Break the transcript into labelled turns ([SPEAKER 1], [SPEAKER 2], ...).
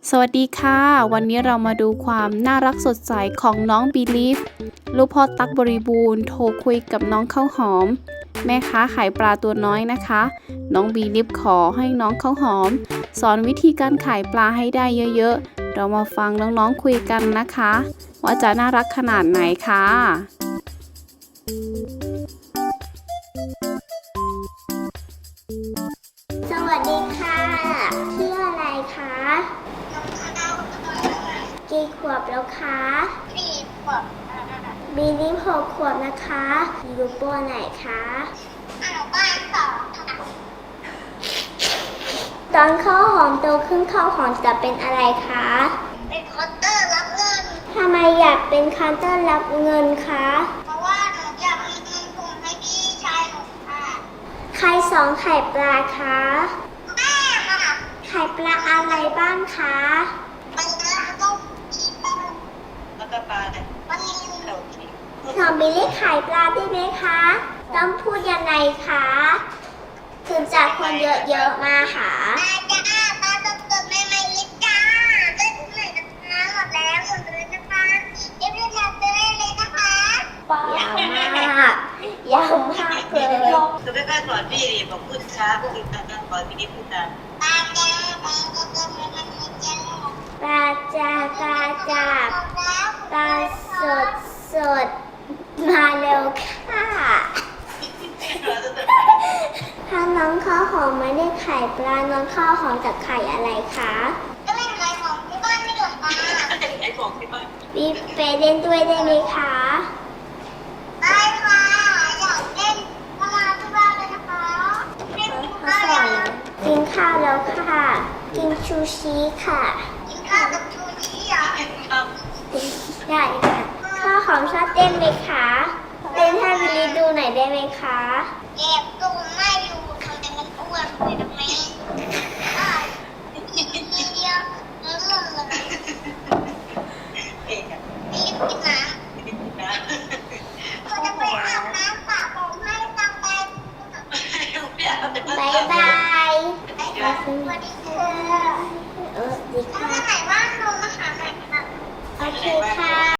[SPEAKER 1] สวัสดีค่ะวันนี้เรามาดูความน่ารักสดใสของน้องบีลีฟลูกพ่อตั๊กบริบูรณ์โทรคุยกับน้องข้าวหอมแม่ค้าขายปลาตัวน้อยนะคะน้องบีลีฟขอให้น้องข้าวหอมสอนวิธีการขายปลาให้ได้เยอะๆเรามาฟังน้องๆคุยกันนะคะว่าจะน่ารักขนาดไหนค่ะ
[SPEAKER 2] สวัสดีค่ะชื่ออะไรคะกี่ขวบแล้วคะ4 ขวบบีลีฟ6 ขวบนะคะอยู่ป.ไหนคะบ้าน2ค่ะตอนข้าวหอมโตขึ้นข้าวหอมจะเป็นอะไรคะเป็นเคาน์เตอร์รับเงินทำไมอยากเป็นเคาน์เตอร์รับเงินคะเพราะว่าหนูอยากมีเงินส่งให้พี่ชายหนูค่ะใครสอนไข่ปลาคะแม่ค่ะไข่ปลาอะไรบ้างคะปลาต้มชีปลาแล้วก็ปลาหอมบิลลี่ไข่ปลาได้ไหมคะต้องพูดยังไงคะถึงจากคนเยอะๆมาหาปลาจ้าปลาสดๆใหม่ๆเลยจ้าได้ทุกไหนนะคะหมดแล้วหมดเลยนะคะรีบๆมาซื้อได้เลยนะคะยาวมากยาวมากเลย
[SPEAKER 3] คือไม่ค่อยสอนพี่ดิบอกพูดช้าพูดช้าสอนพี่ดิพูดช้า
[SPEAKER 2] ปลาจ้าปลาสดๆใหม่ๆเลยจ้าปลาจ้าปลาจ้าปลาสดมาเร็วค่ะถ้าน้องข้าวหอมไม่ได้ไข่ปลาน้องข้าวหอมจะไข่อะไรคะก็เป็นไข่ของที่บ้านไม่เหรอคะ
[SPEAKER 3] ไอ้ของที่บ้าน
[SPEAKER 2] บีไปเล่นด้วยได้ไหมคะได้ค่ะอยากเล่นมาที่บ้านเลยนะคะเล่นข้าวแล้วกินข้าวแล้วค่ะกินชูชีค่ะกินข้าวกับชูชีเหรอได้ค่ะข้าวหอมชอบเต้นไหมคะเต้นให้วิลลี่ดูหน่อยได้ไหมคะเก็บตุ้มไม่อยู่ทำไมมันอ้วนเลยทำไมทีเดียวเลื่อนเลยรีบกินน้ำเราจะไปอาบน้ำสระผมให้ตังไปบายบายสวัสดีค่ะดีค่ะถ้าไหนว่างลงมาหาใหม่ค่ะโอเคค่ะ